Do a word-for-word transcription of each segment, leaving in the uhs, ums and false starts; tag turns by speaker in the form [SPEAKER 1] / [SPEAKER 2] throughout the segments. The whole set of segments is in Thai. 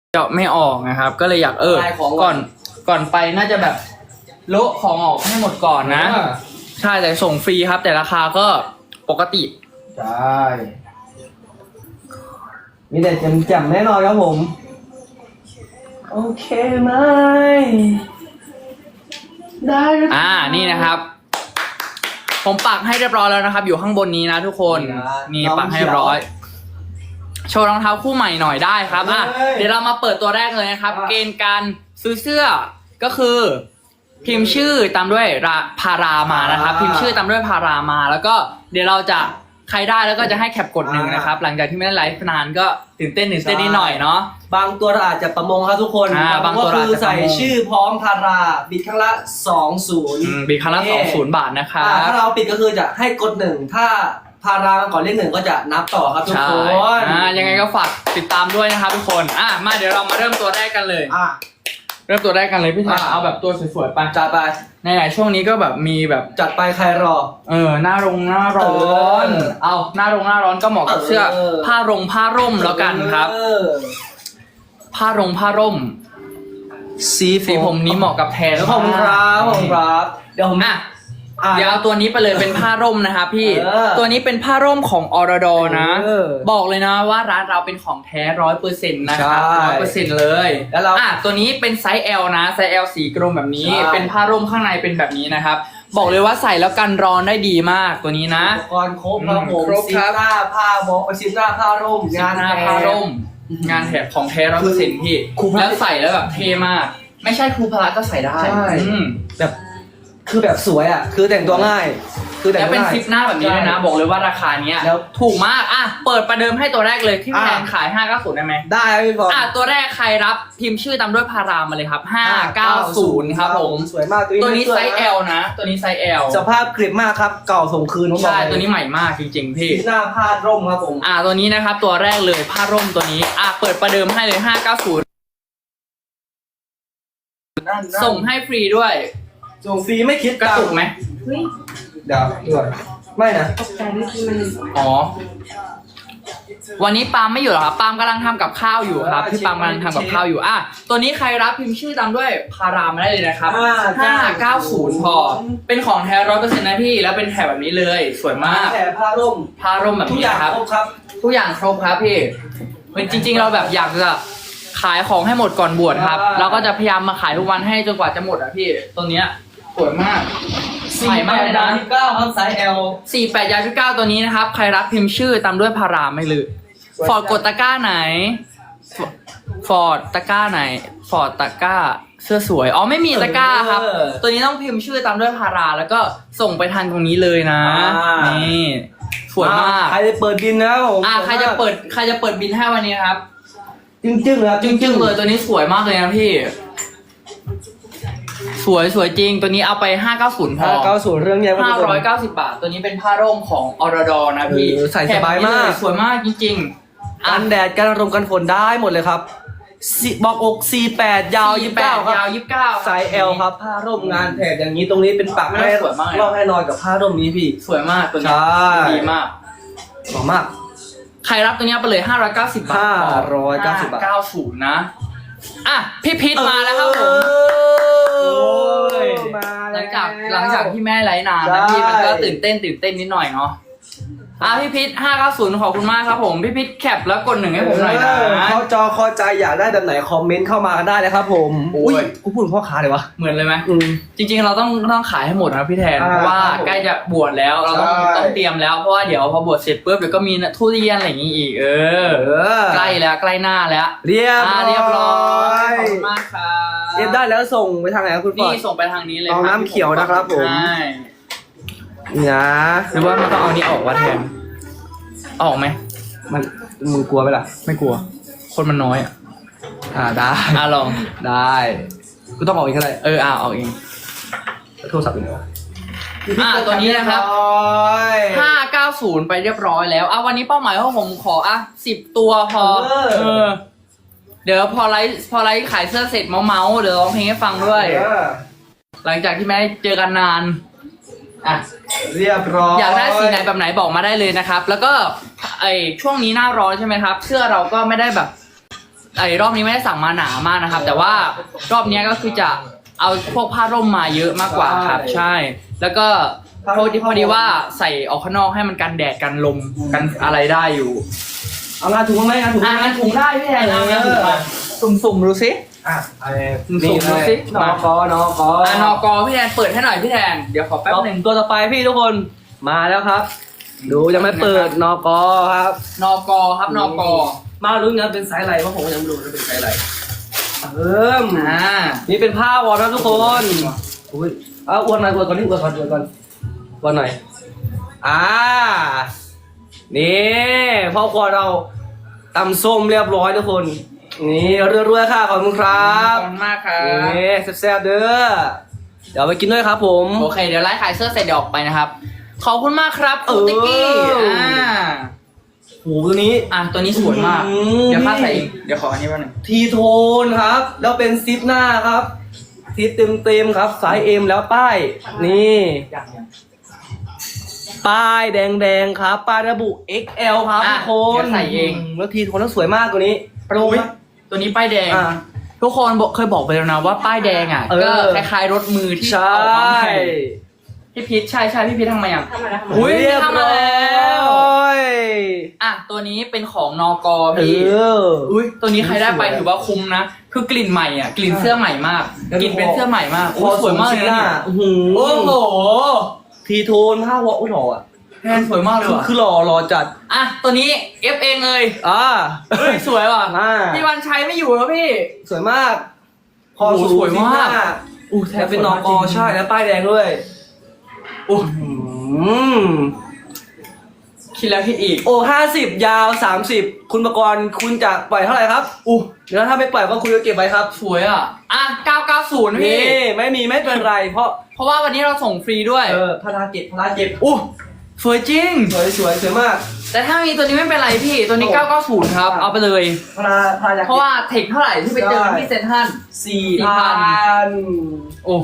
[SPEAKER 1] เจาะไม่ออกนะครับก็เลยอยากเออก่อนก่อนไปน่าจะแบบโละของออกให้หมดก่อนนะใช่แต่ส่งฟรีครับแต่ราคาก็ปกติ
[SPEAKER 2] ใช่มีแต่แจ่มๆแน่นอนครับผมโอเคไหมได้
[SPEAKER 1] อ่านี่นะครับผมปักให้เรียบร้อยแล้วนะครับอยู่ข้างบนนี้นะทุกคนนี่ปักให้เรียบร้อยโชว์รองเท้าคู่ใหม่หน่อยได้ครับอ่ะเดี๋ยวเรามาเปิดตัวแรกเลยนะครับเกณฑ์การซื้อเสื้อก็คือพิมพ์ชื่อตามด้วยพารามานะครับพิมพ์ชื่อตามด้วยพารามาแล้วก็เดี๋ยวเราจะใครได้แล้วก็จะให้แคปกดหนึ่งนะครับหลังจากที่ไม่ได้ไลฟ์นานก็ตื่นเต้นตื่นเต้นนิดหน่อยเนาะ
[SPEAKER 2] บางตัวอาจจะประมงครับทุกคน
[SPEAKER 1] บางตัว
[SPEAKER 2] คือใส่ชื่อพร้อมพาราบิดครั้งละสองศูนย์
[SPEAKER 1] บิดครั้งละสองศูนย์บาทนะครับ
[SPEAKER 2] ถ้าเราปิดก็คือจะให้กดหนึ่งถ้าพาราก่อนเลขหนึ่งก็จะนับต่อครับทุกคน
[SPEAKER 1] อ่ายังไงก็ฝากติดตามด้วยนะครับทุกคนอ่ะมาเดี๋ยวเรามาเริ่มตัวแรกกันเลย
[SPEAKER 2] อ่ะ
[SPEAKER 1] เริ่มตัวแรกกันเลยพี่ชายเอาแบบตัวสวยๆไป
[SPEAKER 2] จัดไป
[SPEAKER 1] ในไหนช่วงนี้ก็แบบมีแบบ
[SPEAKER 2] จัดไปใครรอ
[SPEAKER 1] เออหน้ารงหน้าร้อนเอาหน้ารงหน้าร้อนก็เหมาะกับเสื้อผ้ารงผ้าร่มแล้วกันครับผ้ารงผ้าร่มสีสีผมนี้เหมาะกับแทน
[SPEAKER 2] ขอบคุณครับขอบคุณครับเดี๋ยวผม
[SPEAKER 1] อ่ะเดี๋ยวเอาตัวนี้ไปเลยเป็นผ้าร่มนะครับพี่ตัวนี้เป็นผ้าร่มของอรดอนะบอกเลยนะว่าร้านเราเป็นของแท้ร้อยเปอร์เซ็นต์นะครับร้อยเปอร์เซ็นต์เลยแล้วเราอ่ะตัวนี้เป็นไซส์ L นะไซส์ L สีกรมแบบนี้เป็นผ้าร่มข้างในเป็นแบบนี้นะครับบอกเลยว่าใส่แล้วกันร้อนได้ดีมากตัวนี้นะ
[SPEAKER 2] อุปกรณ์ครบครับผมซิมหน้าผ้าโมซิมหน้าผ้าร่ม
[SPEAKER 1] งานหน้าผ้าร่มงานแถบของแท้ร้อยเปอร์เซ็นต์พี่แล้วใส่แล้วแบบเท่มากไม่ใช่ครูพละก็ใส่ได้
[SPEAKER 2] แบบคือแบบสวยอ่ะคือแต่งตัวง่าย
[SPEAKER 1] คือแต่งแล้วเป็นซิปหน้าแบบนี้ด้วยนะบอกเลยว่าราคาเนี้ยแล้วถูกมากอ่ะเปิดประเดิมให้ตัวแรกเลยที่แพงขายห้าเก้าศูนย์ได้ไหม
[SPEAKER 2] ได้พี่บอล
[SPEAKER 1] อ่ะตัวแรกใครรับพิมพ์ชื่อตามด้วยพารามาเลยครับห้าเก้าศูนย์ครับผม
[SPEAKER 2] สวยมาก
[SPEAKER 1] ตัวนี้ไซส์ L นะตัวนี้ไซส์ L
[SPEAKER 2] สภาพกริบมากครับเก่าส่งคืน
[SPEAKER 1] ใช่ตัวนี้ใหม่มากจริงๆพี่
[SPEAKER 2] หน้าผ้าร่มครับผม
[SPEAKER 1] อ่ะตัวนี้นะครับตัวแรกเลยผ้าร่มตัวนี้อ่ะเปิดประเดิมให้เลยห้าเก้าศูนย์ส่งให้ฟรีด้วย
[SPEAKER 2] ส่งฟรีไม่คิด
[SPEAKER 1] กระตุกไหม
[SPEAKER 2] เดี๋ยวด้วยไม่นะ
[SPEAKER 3] ตกใจเมื่อกี้มัน
[SPEAKER 1] อ๋อวันนี้ปาล์มไม่อยู่หรอครับปาล์มกำลังทำกับข้าวอยู่ครับพี่ปาล์มกำลังทำกับข้าวอยู่อ่ะตัวนี้ใครรับพิมพ์ชื่อตามด้วยพารามาได้เลยนะครับห้าเก้าศูนย์พอเป็นของแท้ร้อยเปอร์เซ็นต์นะพี่แล้วเป็นแถบแบบนี้เลยสวยมาก
[SPEAKER 2] แถบผ้าร่ม
[SPEAKER 1] ผ้าร่มแบบนี้ครับ
[SPEAKER 2] ทุกอย่างครบครับ
[SPEAKER 1] ทุกอย่างครบครับพี่จริงๆเราแบบอยากจะขายของให้หมดก่อนบวชครับเราก็จะพยายามมาขายทุกวันให้จนกว่าจะหมดอ่ะพี่ตัวเนี้ยสวยมาก
[SPEAKER 2] ใหม่มากเลยนะที่เก้าครับไซส์ L
[SPEAKER 1] สี่แปดยาที่เก้าตัวนี้นะครับใครรับพิมพ์ชื่อตามด้วยพาราไม่ลืมฟอร์ดกดตะกร้าไหนฟอร์ดตะกร้าไหนฟอร์ดตะกร้าเสื้อสวยอ๋อไม่มีตะกร้าครับตัวนี้ต้องพิมพ์ชื่อตามด้วยพาราแล้วก็ส่งไปทางตรงนี้เลยนะนี่สวยมาก
[SPEAKER 2] ใครจะเปิดบินนะผม
[SPEAKER 1] อ่าใครจะเปิดใครจะเปิดบินให้วันนี้ครับ
[SPEAKER 2] จึ้งจึ้งเลย
[SPEAKER 1] จึ้งจึ้งเลยตัวนี้สวยมากเลยนะพี่สวยสวยจริงตัวนี้เอาไปห้าเก้าศูนย์พอ
[SPEAKER 2] ห้าเก้าศูนย์เรื่องใหญ่
[SPEAKER 1] ห้าร้อยเก้าสิบบาทตัวนี้เป็นผ้าร่มของอรดอนะพี่
[SPEAKER 2] ใส่สบายมาก
[SPEAKER 1] สวยมากจริง
[SPEAKER 2] ๆกันแดดกันลมกันฝนได้หมดเลยครับบอกอกสี่แปดยาวยี่สิบเก้าครับ
[SPEAKER 1] ยาวยี่สิบเก้า
[SPEAKER 2] ไซส์ L ครับผ้าร่มงานแถบอย่างนี้ตรงนี้เป็นปักให้
[SPEAKER 1] สวยมาก
[SPEAKER 2] รอบให้นอนกับผ้าร่มนี้พี่
[SPEAKER 1] สวยมากตัวนี้ดีมาก
[SPEAKER 2] หอมมาก
[SPEAKER 1] ใครรับตัวนี้ไปเลยห้าร้อยเก้าสิบบาท
[SPEAKER 2] ห้าร้อยเก้าสิบบาท
[SPEAKER 1] เก้าศูนย์นะอ่ะพี่พิษมาแล้วครับผมหลังจากหลังจากที่แม่ไลฟ์นานนะพี่มันก็ตื่นเต้นตื่นเต้นนิดหน่อยเนาะอ่ะพี่พิษห้าเก้าศูนย์ขอบคุณมากครับผมพี่พิษแคปแล้วกดหนึ่งให้ผมหน่อยนะ
[SPEAKER 2] เข้าจอเข้าใจอยากได้แบบไหนคอมเมนต์เข้ามากันได้เลยครับผมอุ้ยกูพูดพ่อค้าเลยวะ
[SPEAKER 1] เหมือนเลยไหมจริงๆเราต้องต้องขายให้หมดนะพี่แทนเพราะว่าใกล้จะบวชแล้วเราต้องต้องเตรียมแล้วเพราะว่าเดี๋ยวพอบวชเสร็จปุ๊บเดี๋ยวก็มีทุเรียนอะไรอย่างงี้อีกเออใกล้แล้วใกล้หน้าแล้ว
[SPEAKER 2] เรียบ
[SPEAKER 1] เรียบร้อยขอบคุณมากครับ
[SPEAKER 2] เรียบได้แล้วส่งไปทางไหนครับคุณ
[SPEAKER 1] ฟอร์ดนี่ส่งไปทางนี้เลย
[SPEAKER 2] เอาน้ำเขียวนะครับผม
[SPEAKER 1] ใช่
[SPEAKER 2] นะ
[SPEAKER 1] หรือว่ามันต้องเอานี้ออกวะแทนออกไหม
[SPEAKER 2] มันมึงกลัวไหมล่ะ
[SPEAKER 1] ไม่กลัวคนมันน้อยอ่ะ
[SPEAKER 2] อ่าได้
[SPEAKER 1] อ่าลอง
[SPEAKER 2] ได้กูต้องออกเองก็ได้
[SPEAKER 1] เอออ่าออกเอง
[SPEAKER 2] โทรศัพท์เป็นไง
[SPEAKER 1] อ่าตัวนี้นะครับห้าเก้าศูนย์ไปเรียบร้อยแล้วอ่ะวันนี้เป้าหมายของผมขออ่ะสิบตัวพอเออเดี๋ยวพอไลฟ์พอไลฟ์ขายเสื้อเสร็จเมาเมาเดี๋ยวร้องเพลงให้ฟังด้วยหลังจากที่ไม่ได้เจอกันนานอ่ะ
[SPEAKER 2] เรียบร้อย
[SPEAKER 1] อยากได้สีไหนแบบไหนบอกมาได้เลยนะครับแล้วก็ไอช่วงนี้หน้าร้อนใช่ไหมครับเสื้อเราก็ไม่ได้แบบไอ้รอบนี้ไม่ได้สั่งมาหนามากนะครับ แต่ว่ารอบนี้ก็คือจะเอาพวกผ้าร่มมาเยอะมากกว่าครับใช่ แล้วก็พอดีพอดีว่าใส่ออกข้างนอกให้มันกันแดดกันลมกันอะไรได้อยู่
[SPEAKER 2] เอางานถุงมาไหมงานถุง
[SPEAKER 1] อ่ะงั้นถุงได้พี่แทนเอางั้นถุงมาสุ่มๆดูสิ
[SPEAKER 2] อ่ะ
[SPEAKER 1] สุ่มๆดูสิ
[SPEAKER 2] นอกอนอกอ
[SPEAKER 1] อ่ะนอกอพี่แทนเปิดให้หน่อยพี่แทนเดี๋ยวขอแป๊บหนึง
[SPEAKER 2] ตัวต่อไปพี่ทุกคนมาแล้วครับ ดูยังไม่เปิดนอกอครับ
[SPEAKER 1] นอกอครับนอกอ
[SPEAKER 2] มาลุ้นกันเป็นไซส์อะไรเพราะผมยังไม่รู้ว่าเป็นไซส์อะไรเอิ่ม
[SPEAKER 1] อ่า
[SPEAKER 2] นี่เป็นผ้าวอร์มนะทุกคนอุ้ยเอาอวดหน่อยอวดก่อนนี่อวดก่อนอวดก่อนอวดหน่อยอ่านี่พ่อครัวเราตำส้มเรียบร้อยทุกคนนี่เรื่อยๆค่ะขอบคุณครั
[SPEAKER 1] ข
[SPEAKER 2] บ
[SPEAKER 1] อบคุณมากครับ
[SPEAKER 2] นี่แซ่บๆเด้อเดี๋ยวไปกินด้วยครับผม
[SPEAKER 1] โอเคเดี๋ยวไลฟ์ขายเสื้อเสร็จเดี๋ยวออกไปนะครับขอบคุณมากครับ
[SPEAKER 2] เออ
[SPEAKER 1] คุณติ๊กกี้อ่า
[SPEAKER 2] โหตัวนี้
[SPEAKER 1] อ่ะตัวนี้สวยมาก
[SPEAKER 2] อืม
[SPEAKER 1] เดี๋ยวข้าใส่เองเดี๋ยวขออันนี้มาหนึ่ง
[SPEAKER 2] ทีโทนครับ แล้วเป็นซิปหน้าครับซิปเต็มๆครับสายเอ็มแล้วป้ายนี่
[SPEAKER 1] อย่างอย่าง
[SPEAKER 2] ป้ายแดงๆครับป้ายระบุ เอ็กซ์ แอล ครับ
[SPEAKER 1] อ่ะ
[SPEAKER 2] ทุกคน
[SPEAKER 1] เดี๋ยวใส่เอง
[SPEAKER 2] แล้วทีโทนแล้วสวยมากตัวนี้
[SPEAKER 1] โปรไหมตัวนี้ป้ายแดง
[SPEAKER 2] อ่ะ
[SPEAKER 1] ทุกคนบอกเคยบอกไปแล้วนะว่าป้ายแดงอ่ะ
[SPEAKER 2] เออ
[SPEAKER 1] ก็คล้ายๆรถมือที่
[SPEAKER 2] ใช่
[SPEAKER 1] ออกมาใหม่พี่พีชใช่ใช่พี่พีชทำมาอย่าง
[SPEAKER 3] ทำมาแล้วทำมา
[SPEAKER 1] อุ๊ย
[SPEAKER 2] เรียบ
[SPEAKER 1] ทำมา
[SPEAKER 2] ร้
[SPEAKER 1] แล้ว
[SPEAKER 2] อย
[SPEAKER 1] อ่ะตัวนี้เป็นของนอกอ
[SPEAKER 2] เอ
[SPEAKER 1] พี่
[SPEAKER 2] อ
[SPEAKER 1] อุ้ยตัวนี้ใครได้ไป
[SPEAKER 2] สวย
[SPEAKER 1] ถือว่าคุ้มนะคือกลิ่นใหม่อ่ะกลิ่นเสื้อใหม่มาก
[SPEAKER 2] แล้ว
[SPEAKER 1] กลิ่นเป็นเสื้อใหม่มาก
[SPEAKER 2] ค
[SPEAKER 1] อุ๊
[SPEAKER 2] อย
[SPEAKER 1] สวยมากเลยนะเนี่ย
[SPEAKER 2] โอ้โห
[SPEAKER 1] โอ้โห
[SPEAKER 2] ทีโทนผ้าวออุ้ยหล่ออ่ะ
[SPEAKER 1] แทนสวยมากเลย
[SPEAKER 2] คือ
[SPEAKER 1] ว่ะ
[SPEAKER 2] คือหล่อหล่อจัด
[SPEAKER 1] อ่ะตัวนี้เอฟเองเลย
[SPEAKER 2] อ่า
[SPEAKER 1] เฮ้ยสวยว่ะ
[SPEAKER 2] อ่า
[SPEAKER 1] พี่วันชัยไม่อยู่แล้วพี่
[SPEAKER 2] สวยมากคอ
[SPEAKER 1] โอ้โห
[SPEAKER 2] สูง
[SPEAKER 1] สวยมาก
[SPEAKER 2] ซิปหน้
[SPEAKER 1] อู้แท
[SPEAKER 2] แล้วเป็นนอกอ
[SPEAKER 1] สวยมากจริง
[SPEAKER 2] ใช่แล้วป้ายแดงด้วย
[SPEAKER 1] อู้
[SPEAKER 2] อืม
[SPEAKER 1] คิดแล้วคิดอีก
[SPEAKER 2] โอ้ห้าสิบยาวสามสิบคุณประกรณ์คุณจะปล่อยเท่าไหร่ครับ
[SPEAKER 1] อู้
[SPEAKER 2] เดี๋ยวถ้าไม่ปล่อยก็คุณจะเก็บไว้ครับ
[SPEAKER 1] สวยอ่ะอ่ะเก้าเก้าศูนย์พี่
[SPEAKER 2] นี่ไม่มีไม่เป็นไร เพราะ
[SPEAKER 1] เพราะว่าวันนี้เราส่งฟรีด้วย
[SPEAKER 2] เออพาราเก็บพาราเก็บ
[SPEAKER 1] อู้สวยจริง
[SPEAKER 2] สวยสวยสวยมาก
[SPEAKER 1] แต่ถ้ามีตัวนี้ไม่เป็นไรพี่ตัวนี้
[SPEAKER 2] โอ้
[SPEAKER 1] เก้าเก้าศูนย์ครับเอาไปเลย
[SPEAKER 2] พาราพาราอยาก
[SPEAKER 1] เพราะว่าเทคเท่าไหร่ที่ไปเจอกันที่เซ็นทรัล
[SPEAKER 2] สี่
[SPEAKER 1] สี่พั
[SPEAKER 2] พั
[SPEAKER 1] น
[SPEAKER 2] น
[SPEAKER 1] โอ้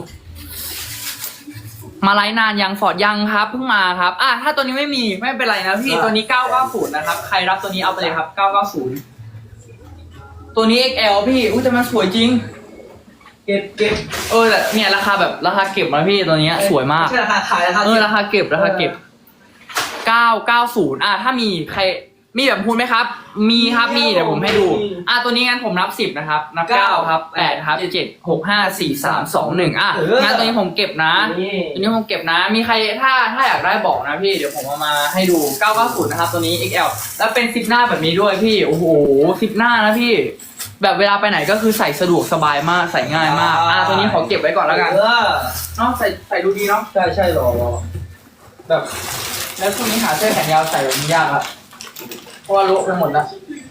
[SPEAKER 1] มาไลฟ์นานยังฟอร์ดยังครับเพิ่งมาครับอ่ะถ้าตัวนี้ไม่มีไม่เป็นไรนะพี่ตัวนี้เก้าเก้าศูนย์นะครับใครรับตัวนี้เอาไปเลยครับเก้าเก้าศูนย์ตัวนี้ เอ็กซ์ แอล พี่อุ้ยแต่มันสวยจริง
[SPEAKER 2] เก็บเก็บ
[SPEAKER 1] เออแต่เนี่ยราคาแบบราคาเก็บนะพี่ตัวเนี้ยสวยมาก
[SPEAKER 2] ไม่ใช่ราคาขายราคา
[SPEAKER 1] เอ
[SPEAKER 2] เก็
[SPEAKER 1] อบ ราคาเก็บราคาเก็บเก้าเก้าศูนย์อ่ะถ้ามีใครมีแบบพูดไหมครับ มีครับมีเดี๋ยวผมให้ดูอ่ะตัวนี้งั้นผมนับสิบนะครับนับเก้าครับแปดครับเจ็ดหกห้าสี่สามสองหนึ่งอ่ะงั้นตัวนี้ผมเก็บนะ
[SPEAKER 2] นี่
[SPEAKER 1] ตัวนี้ผมเก็บนะ มีใครถ้าถ้าอยากได้บอกนะพี่ เดี๋ยวผมเอามาให้ดูเก้าเก้าศูนย์นะครับตัวนี้ เอ็กซ์ แอล แล้วเป็นซิปหน้าแบบนี้ด้วยพี่ โอ้โหซิปหน้านะพี่ แบบเวลาไปไหนก็คือใส่สะดวกสบายมาก ใส่ง่ายมาก อ่าตัวนี้ขอเก็บไว้ก่อนแล้วกัน
[SPEAKER 2] เออ
[SPEAKER 1] เนาะใส่ใส่ดูดีเนาะ
[SPEAKER 2] ใช่ใช่รอรอ
[SPEAKER 1] แบบ แล้วช่วงนี้หาเสื้อแขนยาวใส่แบบนี้ยากละเพราะว่าโละไปหมดละ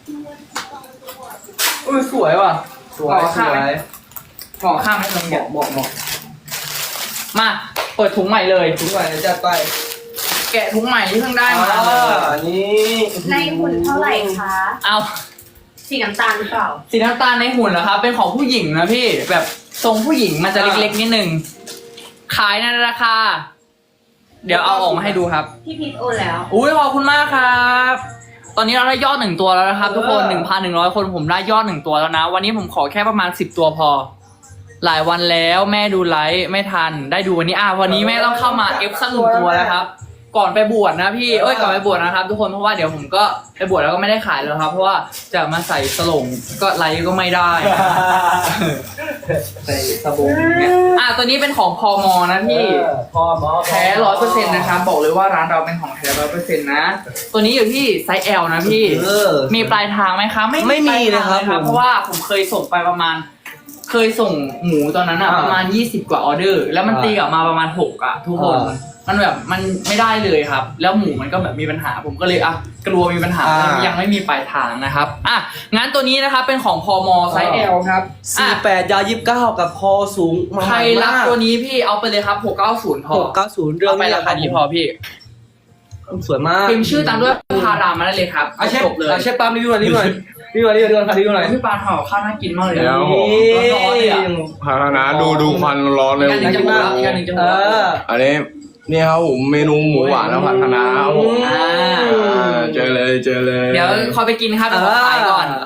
[SPEAKER 1] อุ้ยสวยว่ะ
[SPEAKER 2] สวย
[SPEAKER 1] ห่อ
[SPEAKER 2] ส
[SPEAKER 1] ข้าง
[SPEAKER 2] ว
[SPEAKER 1] ไหม
[SPEAKER 2] ย
[SPEAKER 1] ห่อข้างไหมตรง
[SPEAKER 2] เห
[SPEAKER 1] เนี้ย
[SPEAKER 2] มาะเหมาะเหมาะ
[SPEAKER 1] มาเปิดถุงใหม่เลย
[SPEAKER 2] ถุงใหม่จะไป
[SPEAKER 1] แกะถุงใหม่ที่เพิ่งได้มา
[SPEAKER 2] อ่านี่
[SPEAKER 3] ในหุ่นเท่าไหร่คะ
[SPEAKER 1] เอา
[SPEAKER 3] สีน้ำตาลหรือเปล่า
[SPEAKER 1] สีน้ำตาลในหุ่นเหรอครับ เป็นของผู้หญิงนะพี่ แบบทรงผู้หญิงมันจะเล็กๆนิดนึง ขายในราคา เดี๋ยวเอาออกมาให้ดูครับ
[SPEAKER 3] พี่พีทโอนแล้ว
[SPEAKER 1] อุ้ยขอบคุณมากครับ ตอนนี้เราได้ยอดหนึ่งตัวแล้วนะครับ ทุกคนหนึ่งพันหนึ่งร้อยคนผมได้ยอดหนึ่งตัวแล้วนะ วันนี้ผมขอแค่ประมาณสิบตัวพอ หลายวันแล้วแม่ดูไลฟ์ไม่ทัน ได้ดูวันนี้อ่ะวันนี้แม่ต้องเข้ามาเอฟสักหนึ่งตัวแล้วครับ ก่อนไปบวชนะพี่ เอ้ยก่อนไปบวชนะครับ ทุกคนเพราะว่าเดี๋ยวผมก็ไปบวชแล้วก็ไม่ได้ขายแล้วครับ เพราะว่าจะมาใส่สลงก็ไลฟ์ก็ไม่ได้นะ
[SPEAKER 2] ใส่สบงเนี่ย
[SPEAKER 1] อ่ะตัวนี้เป็นของพมนะพี่
[SPEAKER 2] พอหมอ
[SPEAKER 1] แท้ร้อยเปอร์เซ็นต์นะครับบอกเลยว่าร้านเราเป็นของแท้ร้อยเปอร์เซ็นต์นะ ตัวนี้อยู่ที่ไซส์ L นะพี่
[SPEAKER 2] เออ
[SPEAKER 1] มีปลายทางไหมคะไม่
[SPEAKER 2] ไม่มี
[SPEAKER 1] ปลายทาง
[SPEAKER 2] นะครับ
[SPEAKER 1] เลย
[SPEAKER 2] ผม
[SPEAKER 1] เพราะว่าผมเคยส่งไปประมาณ เคยส่งหมูตอนนั้นอะ
[SPEAKER 2] อ่า
[SPEAKER 1] ประมาณยี่สิบกว่าออเดอร์ แล้วมัน
[SPEAKER 2] อ่า
[SPEAKER 1] ตีกลับมาประมาณหกอะทุกคน
[SPEAKER 2] อ่า
[SPEAKER 1] มันแบบมันไม่ได้เลยครับ แล้วหมูมันก็แบบมีปัญหา ผมก็เลยอ่ะกลัวมีปัญหา
[SPEAKER 2] อ่ายั
[SPEAKER 1] ยังไม่มีปลายทางนะครับอ่ะงั้นตัวนี้นะครับเป็นของพมไซส์ L ครับ
[SPEAKER 2] สี่
[SPEAKER 1] อ่ะ
[SPEAKER 2] แปดยาวยี่สิบเก้ากับคอสูงมาก
[SPEAKER 1] ใครรับตัวนี้พี่เอาไปเลยครับหกเก้าศูนย์พอ
[SPEAKER 2] หกเก้าศูนย์เรื่อง
[SPEAKER 1] เอาไปราคานี้พอพี่
[SPEAKER 2] สวยมาก
[SPEAKER 1] พิมพ์ชื่อตามด้วยพารามาได้เลยครับ
[SPEAKER 2] อาเชฟ
[SPEAKER 1] จบเลย
[SPEAKER 2] อาเชฟปั๊มรีวิวหน่อยรีวิวหน่อยรีวิวหน่อยรีวิวหน่อยรีวิวหน่อย
[SPEAKER 1] พี่ปลาเผาข้าวน่ากินมากเลย
[SPEAKER 4] เดี๋ยว
[SPEAKER 1] ร้อนๆเลยอ่ะ
[SPEAKER 4] ภาชนะดูดูควันร้อนเลย
[SPEAKER 1] อีกอันหนึ่งจะหมดแล้วอีกอันหนึ่งจะหม
[SPEAKER 2] เอ
[SPEAKER 1] ดแล้ว
[SPEAKER 2] อ
[SPEAKER 4] อันนี้นี่ครับผมเมนูหมูหวานและผัดคะน้าครับผม
[SPEAKER 1] อ่า
[SPEAKER 4] อ่าเจอเลยเจอเลย
[SPEAKER 1] เดี๋ยวคอยไปกินครับเดี๋ยวขอขายก่อน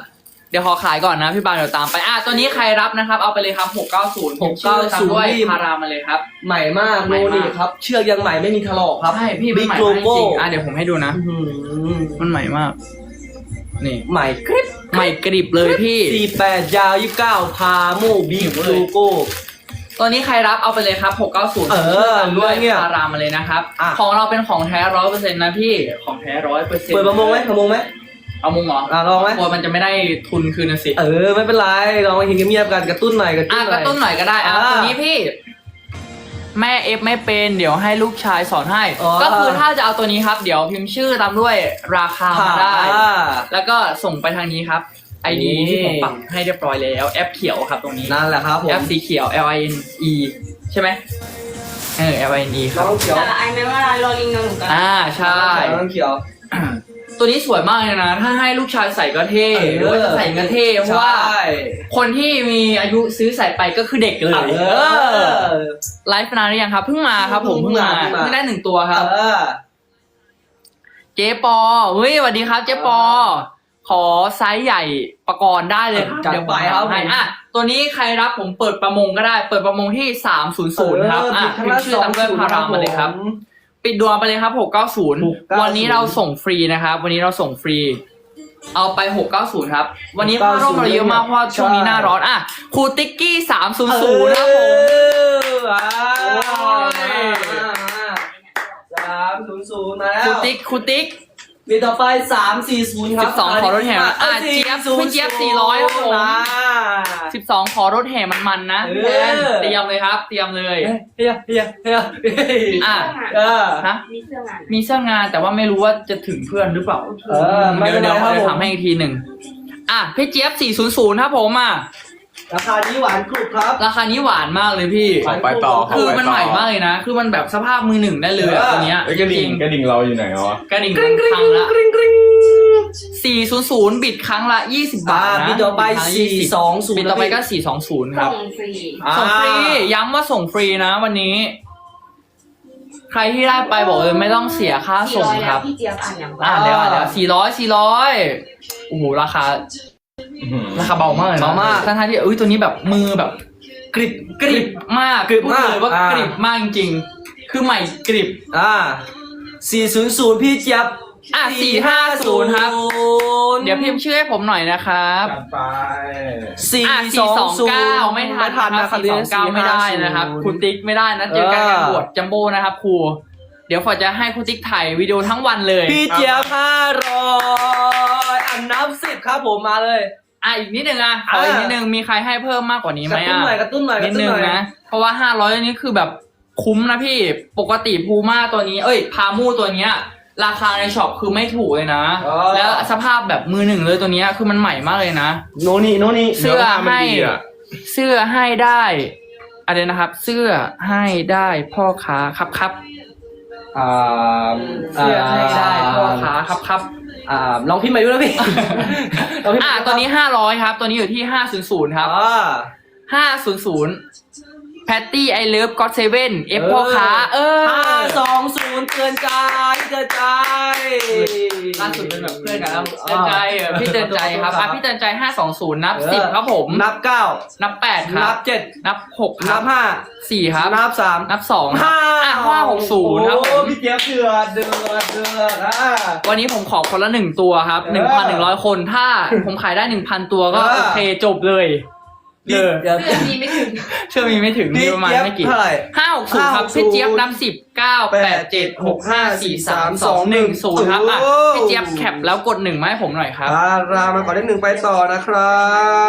[SPEAKER 1] เดี๋ยวขอขายก่อนนะพี่บางเดี๋ยวตามไปอ่ะตัวนี้ใครรับนะครับ เอาไปเลยครับหกเก้าศูนย์
[SPEAKER 2] หกเก้าศูนย์
[SPEAKER 1] ด้วยพารามาเลยครับ
[SPEAKER 2] ใหม่มาก
[SPEAKER 1] ใหม่
[SPEAKER 2] โน
[SPEAKER 1] มาก
[SPEAKER 2] นี่ครับ เชือกยังใหม่ไม่มีถลอกครับ
[SPEAKER 1] ใช่พี่มัน
[SPEAKER 2] Big
[SPEAKER 1] ใหม่มากจ
[SPEAKER 2] Logo
[SPEAKER 1] ริงๆอ่ะเดี๋ยวผมให้ดูนะ
[SPEAKER 2] อื้อหือ
[SPEAKER 1] มันใหม่มาก นี่
[SPEAKER 2] ใหม่กริบ
[SPEAKER 1] ใหม่กริบเลยพี่
[SPEAKER 2] สี่แปดยาวยี่สิบเก้าพาโมบิ๊ก
[SPEAKER 1] หิวเล
[SPEAKER 2] โล
[SPEAKER 1] ย
[SPEAKER 2] โก้
[SPEAKER 1] ตัวนี้ใครรับเอาไปเลยครับหกเก้าศูนย์
[SPEAKER 2] เออ
[SPEAKER 1] ตามด้วย
[SPEAKER 2] เนี่ย
[SPEAKER 1] พารามาเลยนะครับ
[SPEAKER 2] อ่ะ
[SPEAKER 1] ของเราเป็นของแท้ร้อยเปอร์เซ็นต์นะพี่ของแท้ร้อยเปอร์เซ็นต์
[SPEAKER 2] เปิดประมงไหมประมงไหม
[SPEAKER 1] เอามุงเหรอ
[SPEAKER 2] อ่ะลองไหม
[SPEAKER 1] กลัวมันจะไม่ได้ทุนคืนนะสิ
[SPEAKER 2] เออไม่เป็นไรลองมาเห็นเงียบๆกันกระตุ้นหน่อยกระตุ้
[SPEAKER 1] อ่ะ
[SPEAKER 2] นห
[SPEAKER 1] ก
[SPEAKER 2] น่
[SPEAKER 1] ระ
[SPEAKER 2] อย
[SPEAKER 1] ตุ้นหน่อยก็ได้อ่ะ
[SPEAKER 2] อ่า
[SPEAKER 1] ตัวนี้พี่ แม่เอฟไม่เป็นเดี๋ยวให้ลูกชายสอนให้
[SPEAKER 2] อ๋อ
[SPEAKER 1] ก็คือถ้าจะเอาตัวนี้ครับ เดี๋ยวพิมพ์ชื่อตามด้วยราคามาได้
[SPEAKER 2] อ่า
[SPEAKER 1] แล้วก็ส่งไปทางนี้ครับไอดี
[SPEAKER 2] นี่
[SPEAKER 1] ที่ผมปักให้เรียบร้อยแล้วแอปเขียวครับตรงนี้
[SPEAKER 2] นั่นแหละครับผม
[SPEAKER 1] แอปสีเขียว L I N E ใช่ไหมเออ L I N E ค
[SPEAKER 2] น้
[SPEAKER 1] รับ
[SPEAKER 2] องเขียว
[SPEAKER 3] แต่ไอ้ไม่ว่าโรลิงกับหนูกัน
[SPEAKER 1] อ่าใช่
[SPEAKER 2] น้องเขียว
[SPEAKER 1] ตัวนี้สวยมากเลยนะ ถ้าให้ลูกชายใส่ก็เท่
[SPEAKER 2] เออ
[SPEAKER 1] หรือว่าจะใส่ก็เท่เพราะว่า
[SPEAKER 2] ใช่
[SPEAKER 1] คนที่มีอายุซื้อใส่ไปก็คือเด็กเลย
[SPEAKER 2] เอ
[SPEAKER 1] เออ
[SPEAKER 2] อ
[SPEAKER 1] ไลฟ์นานหรือยังครับเพิ่งมาครับผม
[SPEAKER 2] เพิ่
[SPEAKER 1] เพิ่ง
[SPEAKER 2] ง
[SPEAKER 1] มา
[SPEAKER 2] มาเพิ่งมา
[SPEAKER 1] เพิ่งได้หนึ่งตัวครับ
[SPEAKER 2] เออ
[SPEAKER 1] เจ๊ปอเฮ้ยสวัสดีครับเจ๊ปอ ขอไซส์ใหญ่ประกรณ์ได้เลยครับ
[SPEAKER 2] จัด
[SPEAKER 1] เดี๋ยว
[SPEAKER 2] ไป
[SPEAKER 1] ผม
[SPEAKER 2] ครับ
[SPEAKER 1] ทำให้
[SPEAKER 2] ผม
[SPEAKER 1] อ่ะตัวนี้ใครรับผมเปิดประมงก็ได้ เปิดประมงที่สามศูนย์ศูนย์ครับอ่ะ
[SPEAKER 2] เออ
[SPEAKER 1] พิมพ์ชื่อตามด้วยพารามาเลยครับ
[SPEAKER 2] ผม
[SPEAKER 1] ปิดดวงไปเลยครับหกเก้าศูนย์
[SPEAKER 2] หกเก้าศูนย์
[SPEAKER 1] วันนี้เราส่งฟรีนะครับ วันนี้เราส่งฟรี เอาไปหกเก้าศูนย์ครับ วันนี้ผ้าร่มเราเยอะมากเพราะว่าช่วงนี้หน้าร้อนอ่ะครูติ๊กกี้สามศูนย์ศูนย์ครับผม
[SPEAKER 2] เอออ่า
[SPEAKER 1] โอ้ย
[SPEAKER 2] สามศูนย์ศูนย์มาแล้
[SPEAKER 1] ครู
[SPEAKER 2] ว
[SPEAKER 1] ติ๊กครูติ๊ก
[SPEAKER 2] ปีต่อไปสามสี่ศูนย์ครับ
[SPEAKER 1] สิบสองขอรถแห่อ่ะเจี๊ยบพี่เจี๊ยบสี่ร้อยครับผม สิบสองขอรถแห่มันๆนะ
[SPEAKER 2] เออ
[SPEAKER 1] แทนเตรียมเลยครับ เตรียมเลย
[SPEAKER 2] เฮียเฮียเฮียเฮีย
[SPEAKER 1] อ่ะ
[SPEAKER 2] เออ
[SPEAKER 1] ฮะ
[SPEAKER 3] มีเสื้องาน
[SPEAKER 1] มีเสื้องานแต่ว่าไม่รู้ว่าจะถึงเพื่อนหรือเปล่า
[SPEAKER 2] เออไม่
[SPEAKER 1] เดี๋ยว
[SPEAKER 2] เป็นไร
[SPEAKER 1] เดี๋ยว
[SPEAKER 2] ครับ
[SPEAKER 1] เดี๋ยว
[SPEAKER 2] ผม
[SPEAKER 1] ถามให้อีกทีหนึ่งอ่ะพี่เจี๊ยบสี่ศูนย์ศูนย์ครับผมอ่ะ
[SPEAKER 2] ราคานี้หวานกรุบครับ
[SPEAKER 1] ราคานี้หวานมากเลยพี่
[SPEAKER 4] ขอไปต่อข
[SPEAKER 1] คือ
[SPEAKER 4] ไป
[SPEAKER 1] มัน
[SPEAKER 4] ต่
[SPEAKER 1] ใหม่มากเลยนะ คือมันแบบสภาพมือหนึ่งได้เลยอะ
[SPEAKER 2] เออ
[SPEAKER 1] ตัวเนี้ย
[SPEAKER 4] เอ้ยกระ
[SPEAKER 1] จ
[SPEAKER 4] ดิ่
[SPEAKER 1] ริ
[SPEAKER 4] ง
[SPEAKER 1] ง
[SPEAKER 4] กระดิ่งเราอยู่ไหนวะ
[SPEAKER 1] กระดิ่ง
[SPEAKER 2] กริ๊งกริ๊ง
[SPEAKER 1] ครั้งละ
[SPEAKER 2] กริ๊งกริ๊ง
[SPEAKER 1] สี่ศูนย์ศูนย์บิดครั้งละยี่สิบบาท
[SPEAKER 2] อ่า
[SPEAKER 1] นะ
[SPEAKER 2] บิดต่อไป
[SPEAKER 1] บิดครั้งละ
[SPEAKER 2] สี่สองศูนย์
[SPEAKER 1] บิดต่อไปก็สี่สองศูนย์ครับ
[SPEAKER 3] ส่งฟรี
[SPEAKER 1] ส่งฟรีย้ำว่าส่งฟรีนะวันนี้ ใครที่ได้ไปบอกเลยไม่ต้องเสียค่า
[SPEAKER 3] สี่
[SPEAKER 1] ส่ง
[SPEAKER 3] ร้อย
[SPEAKER 1] ค
[SPEAKER 3] แล้
[SPEAKER 1] รั
[SPEAKER 3] ว
[SPEAKER 1] บ
[SPEAKER 3] พี่เจี๊ยบอ่านอย่าง
[SPEAKER 1] อ่าแล้วอ่ะแล้วสี่ร้อยสี่ร้อยโอ้โหราคา
[SPEAKER 4] อื้อหือ
[SPEAKER 1] ราคาเบามากเลยนะ
[SPEAKER 2] เบามาก
[SPEAKER 1] ทั้งๆที่เอ้ยตัวนี้แบบมือแบบกริบกริบมาก
[SPEAKER 2] กริบมาก
[SPEAKER 1] พูดเลยว่า
[SPEAKER 2] อ่าก
[SPEAKER 1] ริบมากจริงๆคือใหม่กริบ
[SPEAKER 2] อ่าสี่ศูนย์ศูนย์พี่เจี๊ยบ
[SPEAKER 1] อ่ะสี่ห้าศูนย์ครับ เดี๋ยวพิมพ์ชื่อให้ผมหน่อยนะครับ
[SPEAKER 4] จัดไป
[SPEAKER 2] สี่
[SPEAKER 1] อ่ะ
[SPEAKER 2] สองศูนย์
[SPEAKER 1] สี่สองเก้าไม่ทัน
[SPEAKER 2] ทัน
[SPEAKER 1] นะ
[SPEAKER 2] นะ
[SPEAKER 1] ครับสี่สองเก้าไม่ได้นะครับครูติ๊กไม่ได้นะเจอกันงานบวชจัมโบ้นะครับครูเดี๋ยวฝอจะให้ครูติ๊กถ่ายวิดีโอทั้งวันเลย
[SPEAKER 2] พี่เจี๊ยบห้าร้อยอันนับสิบครับผมมาเลย
[SPEAKER 1] อ่ะอีกนิดนึงอ่ะขออีกนิดนึงมีใครให้เพิ่มมากกว่านี้
[SPEAKER 2] ก
[SPEAKER 1] ไหม
[SPEAKER 2] ระตุ้น
[SPEAKER 1] อ่ะ
[SPEAKER 2] หน่อยกระตุ้นหน่อยก
[SPEAKER 1] นิ
[SPEAKER 2] ระ
[SPEAKER 1] ด
[SPEAKER 2] ตุ้น
[SPEAKER 1] นึง
[SPEAKER 2] หน่อย
[SPEAKER 1] นะ เพราะว่าห้าร้อยนี้คือแบบคุ้มนะพี่ปกติพูม่าตัวนี้ เอ้ยพามูตัวเนี้ยราคาในช็อปคือไม่ถูกเลยนะ
[SPEAKER 2] อ๋อ
[SPEAKER 1] แล้วสภาพแบบมือหนึ่งเลยตัวเนี้ยคือมันใหม่มากเลยนะ
[SPEAKER 2] โนนี่โนนี่
[SPEAKER 1] เสื้อ
[SPEAKER 4] เนื้อผ้ามัน
[SPEAKER 1] ให้
[SPEAKER 4] ดีอะ
[SPEAKER 1] เสื้อให้ได้อะไรนะครับ เสื้อให้ได้พ่อค้าครับครับ
[SPEAKER 2] อ่า
[SPEAKER 1] เสื้อให้ได้พ่อค้าครับครับ
[SPEAKER 2] อ่าลองพิมพ์มาดูนะพี่ ลองพิมพ์
[SPEAKER 1] อ่ะ
[SPEAKER 2] มาดู
[SPEAKER 1] ตัวนี้ห้าร้อยครับ ตัวนี้อยู่ที่ห้าศูนย์ศูนย์ครับ
[SPEAKER 2] อ่า
[SPEAKER 1] ห้าศูนย์ศูนย์แพตตี้ไอเลิฟก็อตเซเว่นเอฟพ่อค้า เออ
[SPEAKER 2] ห้าสองศูนย์เตือนใจเตือนใจ
[SPEAKER 1] ล่าสุดเป็นแบบเพื่อนกันแล้วเตือนใจเออพี่เตือนใจครับอ่ะพี่เตือนใจห้าสองศูนย์นับสิบครับผม
[SPEAKER 2] นับเก้า
[SPEAKER 1] นับแปดค
[SPEAKER 2] นั
[SPEAKER 1] รั
[SPEAKER 2] บบ เจ็ด
[SPEAKER 1] นับหกค
[SPEAKER 2] นั
[SPEAKER 1] รั
[SPEAKER 2] บบ ห้า
[SPEAKER 1] สี่ครับ
[SPEAKER 2] นับสาม
[SPEAKER 1] นับสอง
[SPEAKER 2] ห้า
[SPEAKER 1] อ่ะห้าหกศูนย์ครับผ
[SPEAKER 2] โอ้
[SPEAKER 1] ม
[SPEAKER 2] พี่เจี๊ยบเดือดเดือดเดือดอ่ะ
[SPEAKER 1] วันนี้ผมขอคนละหนึ่งตัวครับหนึ่งพันหนึ่งร้อยคนถ้าผมขายได้หนึ่งพันตัวก็
[SPEAKER 2] เออ
[SPEAKER 1] โอเคจบเลยเลย
[SPEAKER 2] เดี๋ยว
[SPEAKER 3] เสื้อมีไม่ถึง
[SPEAKER 1] เชื่อมีไม่ถึงมี
[SPEAKER 2] พี่
[SPEAKER 1] ประมาณ
[SPEAKER 2] เจี๊ยบ
[SPEAKER 1] ไม่กี่
[SPEAKER 2] เท่าไหร่
[SPEAKER 1] ห้าหกศูนย์ครับ
[SPEAKER 2] ห้าหกศูนย์
[SPEAKER 1] พี่เจี๊ยบนำสิบเก้าแปดเจ็ดหกห้าสี่สามสองหนึ่งศูนย์ครับอ่ะ
[SPEAKER 2] โอ้
[SPEAKER 1] พี่เจี๊ยบแคปแล้วกดหนึ่งมาให้ผมหน่อยครับ
[SPEAKER 2] อ่ารามาก่อนเลขหนึ่งไปต่อนะครับ